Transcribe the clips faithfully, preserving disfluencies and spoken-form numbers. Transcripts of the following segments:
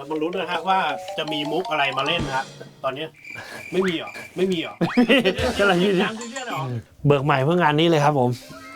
เรามาลุ้นนะฮะว่าจะมีมุกอะไรมาเล่นนะฮะตอนนี้ไม่มีหรอไม่มีหรอกำลังยืนยังซีเรียสหรอเบิกใหม่เพื่องานนี้เลยครับผม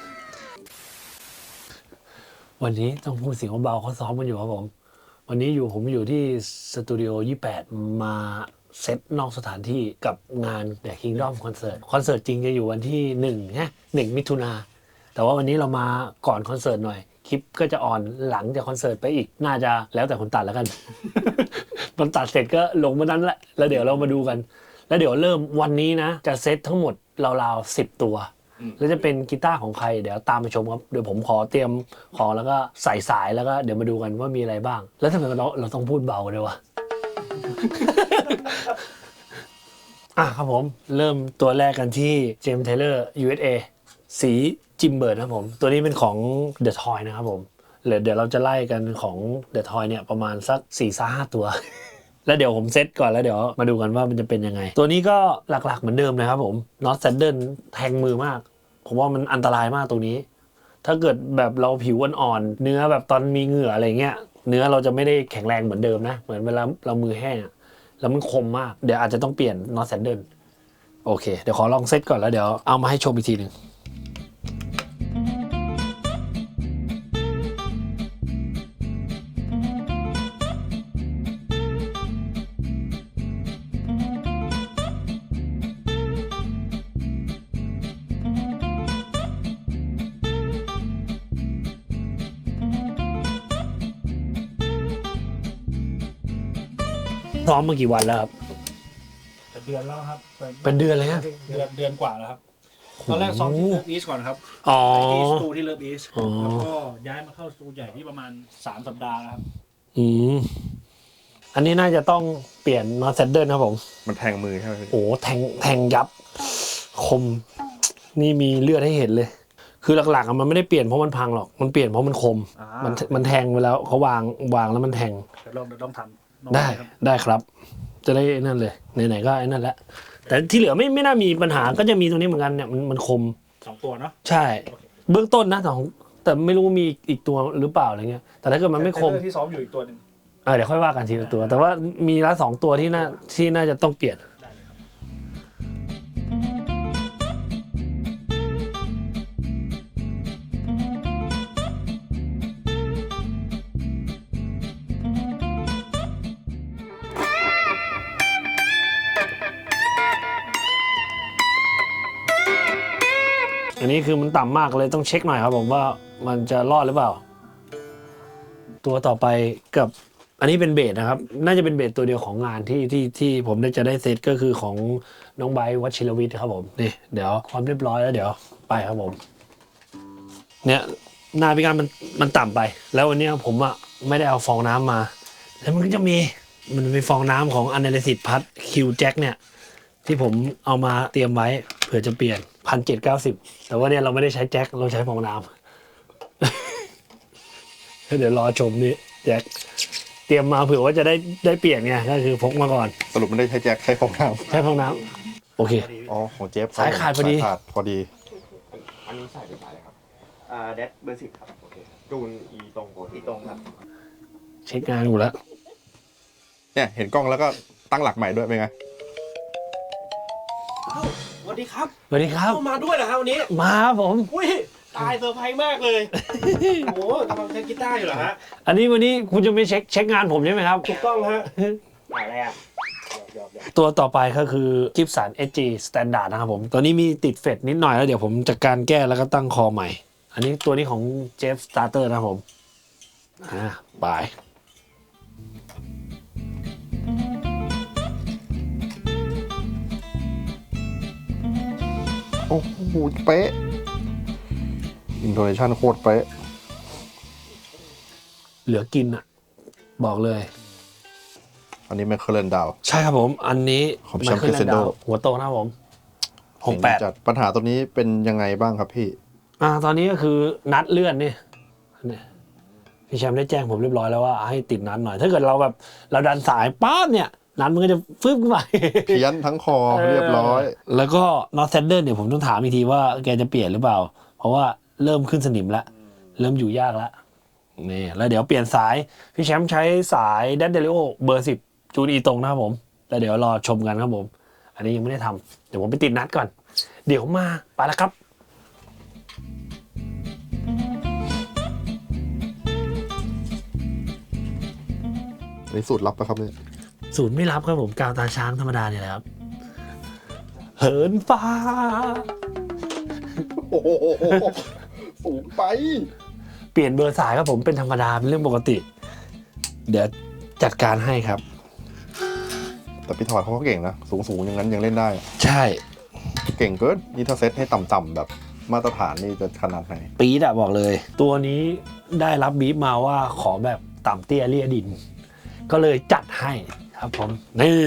วันนี้ต้องพูดเสียงเบาๆเขาซ้อมกันอยู่ครับผมวันนี้อยู่ผมอยู่ที่สตูดิโอยี่สิบแปดมาเซตนอกสถานที่กับงาน The Kingdom Concert คอนเสิร์ตจริงจะอยู่วันที่หนึ่งฮะหนึ่งมิถุนาแต่ว่าวันนี้เรามาก่อนคอนเสิร์ตหน่อยคลิปก็จะออนหลังจากคอนเสิร์ตไปอีกน่าจะแล้วแต่คนตัดแล้วกัน มันตัดเสร็จก็ลงมานั้นแหละแล้วเดี๋ยวเรามาดูกันแล้วเดี๋ยวเริ่มวันนี้นะจะเซตทั้งหมดราวๆสิบตัวแล้วจะเป็นกีตาร์ของใครเดี๋ยวตามไปชมครับเดี๋ยวผมขอเตรียมของแล้วก็ใส่สายแล้วก็เดี๋ยวมาดูกันว่ามีอะไรบ้างแล้วทำไมเราเราต้องพูดเบาด้วยวะ อ่ะครับผมเริ่มตัวแรกกันที่เจมส์เทเลอร์ ยู เอส เอ สีจิมเบิร์ดนะครับผมตัวนี้เป็นของ The Toy นะครับผมเดี๋ยวเราจะไล่กันของ The Toy เนี่ยประมาณสัก สี่ถึงห้า ตัว แล้วเดี๋ยวผมเซตก่อนแล้วเดี๋ยวมาดูกันว่ามันจะเป็นยังไงตัวนี้ก็หลักๆเหมือนเดิมนะครับผม Not Saddle แทงมือมากผมว่ามันอันตรายมากตรงนี้ถ้าเกิดแบบเราผิวอ่อนๆเนื้อแบบตอนมีเหงื่ออะไรเงี้ยเนื้อเราจะไม่ได้แข็งแรงเหมือนเดิมนะเหมือนเวลาเรามือแห้งแล้วมันคมมากเดี๋ยวอาจจะต้องเปลี่ยน Not Saddle โอเคเดี๋ยวขอลองเซตก่อนแล้วเดี๋ยวเอามาให้ชมอีกทีหนึ่งซ้อมมากี่วันแล้วครับเป็นเดือนแล้วครับเป็นเดือนเลยฮะเดือนเดือนกว่าแล้วครับตอนแรกซ้อมที่เลิฟอีสก่อนครับอ๋อที่สตูที่เลิฟอีสอ๋อแล้วก็ย้ายมาเข้าสตูใหญ่ที่ประมาณสามสัปดาห์แล้วครับอืมอันนี้น่าจะต้องเปลี่ยน Not Saddle นะครับผมมันแทงมือใช่ไหมพี่โอ้แทงแทงยับคมนี่มีเลือดให้เห็นเลย คือหลักๆอะมันไม่ได้เปลี่ยนเพราะมันพังหรอกมันเปลี่ยนเพราะมันคมอ่ามันมันแทงไปแล้วเขาวางวางแล้วมันแทงเดี๋ยวลองเดี๋ยวลองทำลองได้ครับได้ครับ จะได้นั่นเลยไหนๆก็ไอ้นั่นแหละแต่ที่เหลือไม่ไม่น่ามีปัญหาก็จะมีตรงนี้เหมือนกันเนี่ยมันมันคมสองตัวเนาะใช่ เบื้องต้นนะแต่ของแต่ไม่รู้มีอีกตัวหรือเปล่าอะไรเงี้ยแต่ถ้าเกิดมันไม่คมแต่ที่ซ้อมอยู่อีกตัวหนึ่งอ่ะเดี๋ยวค่อยว่ากันทีละตัว แต่ว่ามีละสองตัวที่น่าที่น่าจะต้องเปลี่ยนอันนี้คือมันต่ำมากเลยต้องเช็คหน่อยครับผมว่ามันจะรอดหรือเปล่า ตัวต่อไปกับอันนี้เป็นเบสนะครับน่าจะเป็นเบสตัวเดียวของงานที่ที่ที่ผมได้จะได้เซตก็คือของน้องไบร์ทวัชิรวิทย์ครับผมนี่เดี๋ยวความเรียบร้อยแล้วเดี๋ยวไปครับผมเนี่ยหน้าพิการมันมันต่ำไป แล้ววันนี้ผมอ่ะไม่ได้เอาฟองน้ำมา แล้วมันก็จะมีมันมีฟองน้ำของ Analysis พัด Q Jack เนี่ยที่ผมเอามาเตรียมไว้เผื่อจะเปลี่ยนพันเจ็ดเก้าสิบแต่ว่าเนี่ยเราไม่ได้ใช้แจ็คเราใช้ฟองน้ำ เดี๋ยวรอชมนี่แจ็คเตรียมมาเผื่อว่าจะได้ได้เปลี่ยนไงก็คือพกมาก่อนสรุปไม่ได้ใช้แจ็คใช้ฟองน้ใช้ฟองน้ำโอเคำอ๋อของเจฟสายขาดพอดีสยขาดพอดีอันนี้ใส่เป็นสายอะไรครับ อ่าเดดเบอร์สิบครับ โอเคจูนอีตรงอีตรงครับเช็คงานอยู่แล้วเนี่ยเห็นกล้องแล้วก็ตั้งหลักใหม่ด้วยเป็นไงสวัสดีครับสวัสดีครับเข้ามาด้วยเหรอครับวันนี้มาครับผมอุ้ยตายเซอร์ไพรส์มากเลย โอ้โหกำลังเล่นกีตาร์อยู่เหรอฮะอันนี้วันนี้คุณจะไม่เช็คเช็คงานผมใช่ไหมครับถูกต้องฮะอะไรอ่ะตัวต่อไปก็คือ Gibson เอส จี Standard นะครับผม ตัวนี้มีติดเฟดนิดหน่อยแล้วเดี๋ยวผมจัดการแก้แล้วก็ตั้งคอใหม่ อันนี้ตัวนี้ของ Jeff Starter นะครับผม อ่าบายโอ้โหเป๊ะอินโทเนชันโคตรเป๊ะเหลือกินอ่ะ บอกเลยอันนี้แมคเคอร์เรนดาวใช่ครับผม อันนี้ของ Champ Michael Crescendo Landau หัวโตนะครับผมหกแปดจัดปัญหาตัวนี้เป็นยังไงบ้างครับพี่อ่าตอนนี้ก็คือนัดเลื่อนนี่เนี่ยพี่แชมป์ได้แจ้งผมเรียบร้อยแล้วว่าให้ติดนัดหน่อย ถ้าเกิดเราแบบเราดันสายป๊าบเนี่ยนัดมันก็จะฟึบขึ้นไปเพี้ยนทั้งคอเรียบร้อยแล้วก็ Not Saddle เนี่ยผมต้องถามอีกทีว่าแกจะเปลี่ยนหรือเปล่า เพราะว่าเริ่มขึ้นสนิมแล้ว เริ่มอยู่ยากแล้วนี่แล้วเดี๋ยวเปลี่ยนสายพี่แชมป์ใช้สายแดนเดลิโอเบอร์สิบจูนอีตรงนะครับผมแล้วเดี๋ยวรอชมกันครับผมอันนี้ยังไม่ได้ทำเดี๋ยวผมไปติดนัดก่อนเดี๋ยวมาไปแล้วครับในสูตรลับนะครับเนี่ยศูนย์ไม่รับครับผมกาวตาช้างธรรมดาเนี่ยแหละครับเหินฟ้าโอ้โหสูงไปเปลี่ยนเบอร์สายครับผมเป็นธรรมดาเป็นเรื่องปกติ เดี๋ยวจัดการให้ครับแต่พี่ถอดเขาก็เก่งนะ สูงสูงอย่างนั้นยังเล่นได้ใช่เก่งเกินนี่ถ้าเซตให้ต่ำๆแบบมาตรฐานนี่จะขนาดไหนปี๊ดอะบอกเลย ตัวนี้ได้รับบีฟมาว่าขอแบบต่ำเตี้ยเลี่ยดิน ก็เลยจัดให้ครับผมนี่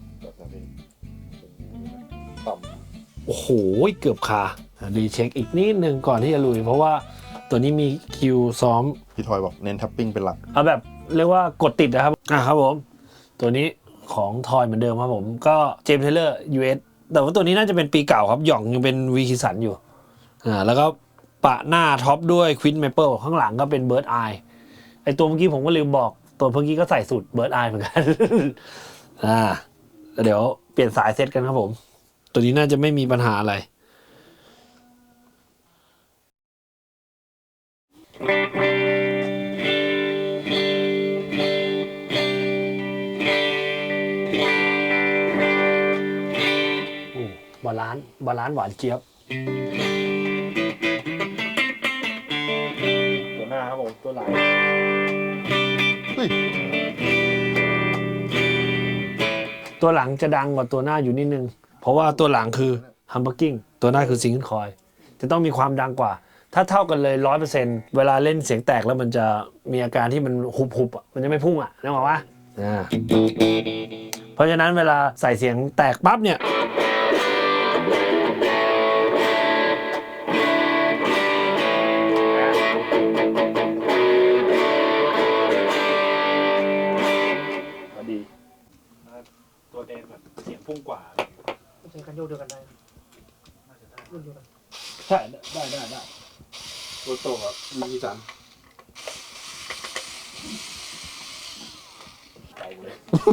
โอ้โหเกือบคารีเช็คอีกนิดนึงก่อนที่จะลุยเพราะว่าตัวนี้มีคิวซ้อมพี่ทอยบอกเน้นแท็ปปิ้งเป็นหลักเอาแบบเรียกว่ากดติดนะครับอ่ะครับผมตัวนี้ของทอยเหมือนเดิมครับผมก็เจมส์เทเลอร์ ยู เอส แต่ว่าตัวนี้น่าจะเป็นปีเก่าครับหย่องยังเป็นวีคิสันอยู่อ่าแล้วก็ปะหน้าท็อปด้วยควินเมเปิลข้างหลังก็เป็นเบิร์ดไอไอตัวเมื่อกี้ผมก็ลืมบอกตัวเมื่อกี้ก็ใส่สูตรเบิร์ดไอเหมือนกัน อ่าแล้วเดี๋ยวเปลี่ยนสายเซตกันครับผมตัวนี้น่าจะไม่มีปัญหาอะไรบาลานซ์บาลานซ์หวานเจี๊ยบตัวหน้าครับผมตัวหลังเฮ้ยตัวหลังจะดังกว่าตัวหน้าอยู่นิดนึงเพราะว่าตัวหลังคือฮัมเบอร์กิ้งตัวหน้าคือซิงเกิลคอยจะต้องมีความดังกว่าถ้าเท่ากันเลย ร้อยเปอร์เซ็นต์ เวลาเล่นเสียงแตกแล้วมันจะมีอาการที่มันหุบๆอ่ะมันจะไม่พุ่งอ่ะนึกออกปะอ่าเพราะฉะนั้นเวลาใส่เสียงแตกปั๊บเนี่ยดีตัวเดนแบบเสียงพุ่งกว่าใช้กันโยกเดียวกันได้ใช่ได้ได้ได้ตัวโตอ่ะมีสันไปเลย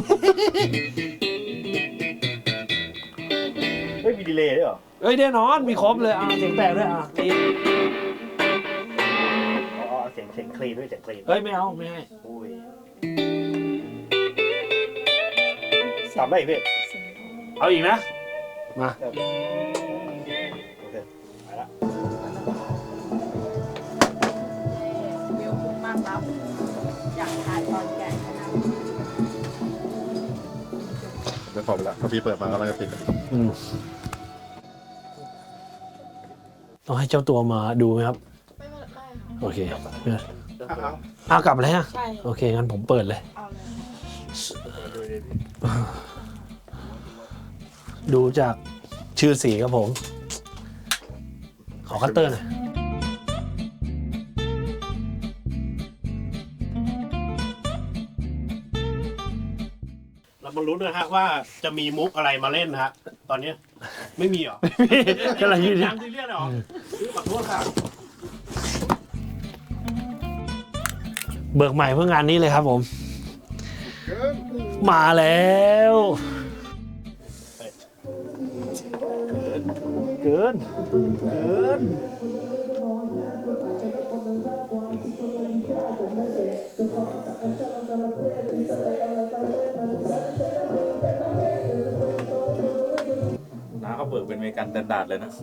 ไม่มีดีเลย์ด้วยเหรอเอ้ยแน่นอนมีครบเลยอ่ะเสียงแตกด้วยอ่ะตีอ๋อเสียงเสียงคลีนด้วยเสียงคลีนเอ้ยไม่เอาไม่ให้โอ้ยสามได้อีกพี่เอาอีกนะมาโอเคไปละเดี๋ยวผมมากครับอยากทานตอนแก่นะครับเดี๋ยวพอไปละพอพี่เปิดมาก็แล้วก็ติดอืมต้องให้เจ้าตัวมาดูไหมครับไม่ไม่ไม่โอเคเอาเอากลับเลยฮะใช่โอเคงั้นผมเปิดเลยเอาเลยดูจากชื่อสีครับผม ขอคัตเตอร์หน่อยเรามาลุ้นนะฮะว่าจะมีมุกอะไรมาเล่นนะฮะตอนนี้ไม่มีเหรอกำลังยืนย้ำซีเรียสเหรอขอโทษค่ะเบิกใหม่เพื่องานนี้เลยครับผม มาแล้วเกินเกินน้าเขาเบิกเป็นเมกันสแตนดาร์ดเลยนะ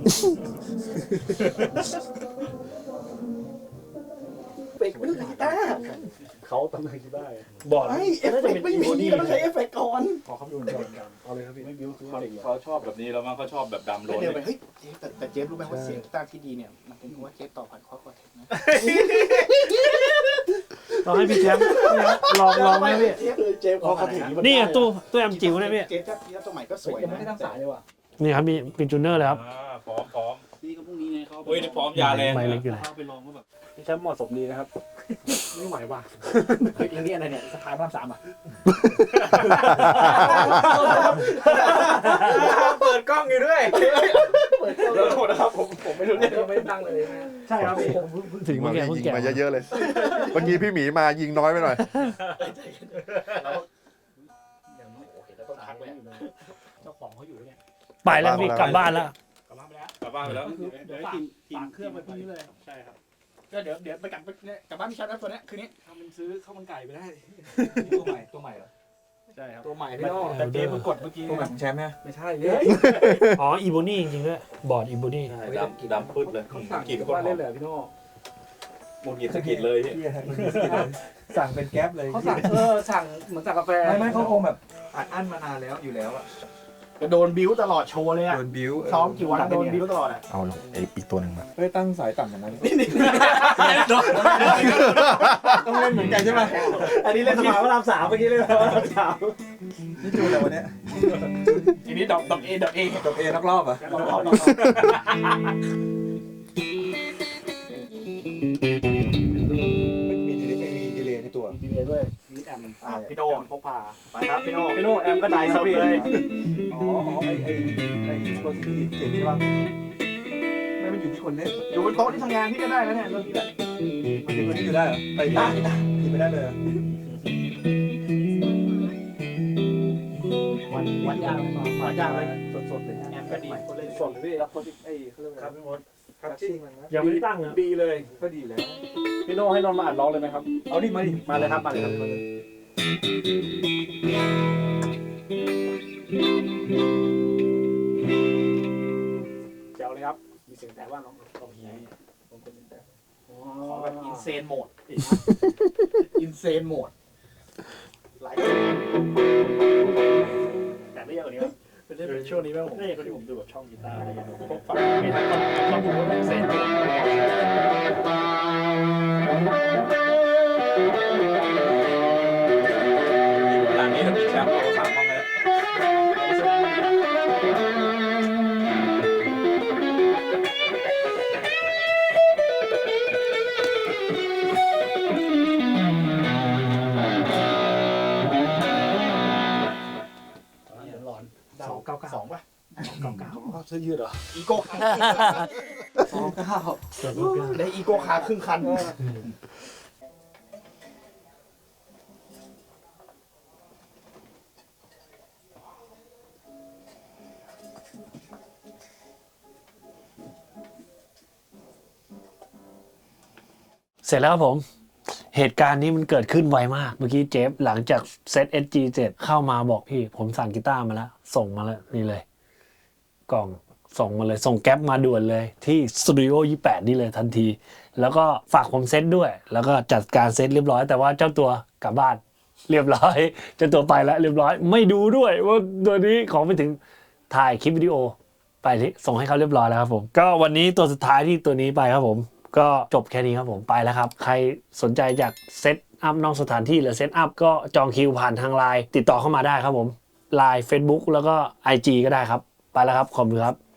เฟกไม่ต้องกีตาร์เขาตำแหน่งที่ได้บอร์ดไม่เอฟเฟกต์ไม่มีก็ต้องใช้เอฟเฟกต์ก่อนขอเขาดูหน่อยเอาเลยครับพี่ไม่บิ้วเขาชอบแบบนี้แล้วมันก็ชอบแบบดำโรไม่นเดี๋ยวไปเฮ้ยเจฟแต่แต่เจฟรู้ไหมว่าเสียงกีตาร์ที่ดีเนี่ยมันเป็นเพราะว่าเจฟต่อผ่านคอร์ดคอร์เทคนะต้องให้พี่แชมป์ลองลองไหมพี่เจฟเจฟคอร์ดคอร์เทคนี่อ่ะตู้ตู้แอมจิ๋วเนี่ยพี่เจฟถ้าพี่ถ้าตัวใหม่ก็สวยยังนะไม่ได้ตั้งสายเลยว่ะนี่ครับมีเป็นจูเนอร์เลยครับอ่าพร้อมพร้อมนี่ก็พรุ่งนี้ไงเขาเฮ้ยนี่พร้อมยาแรงไม่เล็กอยู่เลยเข้าไปลองก็แบบพี่แชมป์เหมาะสมดีนะครับ ไม่ไหวว่ะเฮ้ยอย่างนี้อะไรเนี่ยสะพายพระรามสามอ่ะเปิดกล้องอยู่ด้วยเปิดตัวโทษนะครับผมผมไม่รู้เรื่องไม่ตั้งเลยนะใช่ครับพี่ถึงมาเมื่อกี้พี่เพิ่งยิงแกะมาเยอะๆเลย เมื่อกี้พี่หมีมายิงน้อยไปหน่อยอย่างน้อยโอเคแล้วต้องทักเลยเจ้าของเขาอยู่เนี่ยไปแล้วพี่กลับบ้านแล้วกลับบ้านไปแล้วกลับบ้านไปแล้วเดี๋ยวฝากฝากเครื่องไปพรุ่งนี้เลยใช่ครับก็เดี๋ยวเดี๋ยวไปกลับเนี่ยกลับบ้านพี่ชัดนะตัวเนี้ยคืนนี้ทำเป็นซื้อข้าวมันไก่ไปได้ตัวใหม่ตัวใหม่เหรอใช่ครับตัวใหม่พี่น้องแต่เกมมันกดเมื่อกี้ตัวแบบของแชมป์ไหมไม่ใช่เลยอ๋ออีโบนี่จริงๆด้วยบอร์ดอีโบนี่ดำดำปึ๊ดเลยเขาสั่งกินกับคนว่าหอเล่มนเลยพี่โน่หมดกินสกิดเลยพี่สั่งเป็นแก๊ปเลยเขาสั่งเออสั่งเหมือนสั่งกาแฟไม่ไม่เขาคงแบบอัดอั้นมานานแล้วอยู่แล้วอะจะโดนบิ้วตลอดโชว์เลยอะโดนบิ้วซ้อมกี่วันโดนบิ้วตลอดอะเอาไอ้อีกตัวหนึ่งมาเฮ้ยตั้งสายต่ำอย่างนั้นต้องเล่นเหมือนกันใช่ไหมอันนี้เล่นสมาร์ทรามสามเมื่อกี้เล่นสมาร์ทรามสามนี่จูนอะไรวันเนี้ยทีนี้ดอกดอกเอดอกเอจบเอนักรอบอ่ะดอกรอบดอกรอบไม่มีดีเลย์ไม่มีดีเลย์ในตัวดีเลยด้วยนี่แอมอ่ะพี่โดแอมพกพาไปครับพี่โดพี่โน่แอมก็ได้ครับพี่เลยอ๋ออ๋อไอไอไอตัวที่เจ๋งใช่ป่ะไม่มันอยู่ที่คนเล่นอยู่บนโต๊ะที่ทำงานพี่ก็ได้แล้วเนี่ยเรื่องนี้แหละมันอยู่คนนี้อยู่ได้เหรอไปได้กินไม่ได้เลยวันวันยางวันยางเลยสดๆเลยแอมก็ดีคนเล่นสดเลยพี่แล้วคนที่ไอ้เขาเรียกว่าครับพี่มดครับชิ่งมันนะยังไม่ได้ตั้งนะดีเลยก็ดีแล้วพี่โน่ให้นอนมาอัดร้องเลยไหมครับเอาดิมาดิมาเลยครับมาเลยครับเจ้าเลยครับมีเสียงแต่ว่าน้องน้องพีผมเป็นแต่ขอแบบอินเซนโหมดอินเซนโหมดหลายแต่ไม่เยอะกว่านี้ครับเป็นช่วงนี้แม่ผมนี่คนที่ผมดูแบบช่องกีตาร์อะไรอย่างเงี้ยพวกฟังมีทั้งคนฟังผมว่าอินเซนโหมดหลังนี้ถ้ามีแชมป์เราสามบ้างเลยร้อนสองเก้าเก้าสองป่ะเก้าเก้าเสื้อยืดเหรออีโก้สองเก้าได้อีโก้ขาครึ่งคันเสร็จแล้วครับผม เหตุการณ์นี้มันเกิดขึ้นไวมาก เมื่อกี้เจฟหลังจากเซต เอส จี เสร็จเข้ามาบอกพี่ ผมสั่งกีตาร์มาแล้ว ส่งมาแล้วนี่เลย กล่องส่งมาเลย ส่งแก๊ปมาด่วนเลยที่สตูดิโอยี่สิบแปดนี่เลยทันที แล้วก็ฝากผมเซตด้วย แล้วก็จัดการเซตเรียบร้อย แต่ว่าเจ้าตัวกลับบ้านเรียบร้อย เจ้าตัวไปแล้วเรียบร้อย ไม่ดูด้วยว่าตัวนี้ของไปถึงถ่ายคลิปวิดีโอไปที่ส่งให้เขาเรียบร้อยแล้วครับผม ก็วันนี้ตัวสุดท้ายที่ตัวนี้ไปครับผม ก็จบแค่นี้ครับผมไปแล้วครับ ใครสนใจอยากเซตอัพนอกสถานที่หรือเซตอัพก็จองคิวผ่านทางไลน์ติดต่อเข้ามาได้ครับผมไลน์ Facebook แล้วก็ ไอ จี ก็ได้ครับ ไปแล้วครับขอบคุณครับ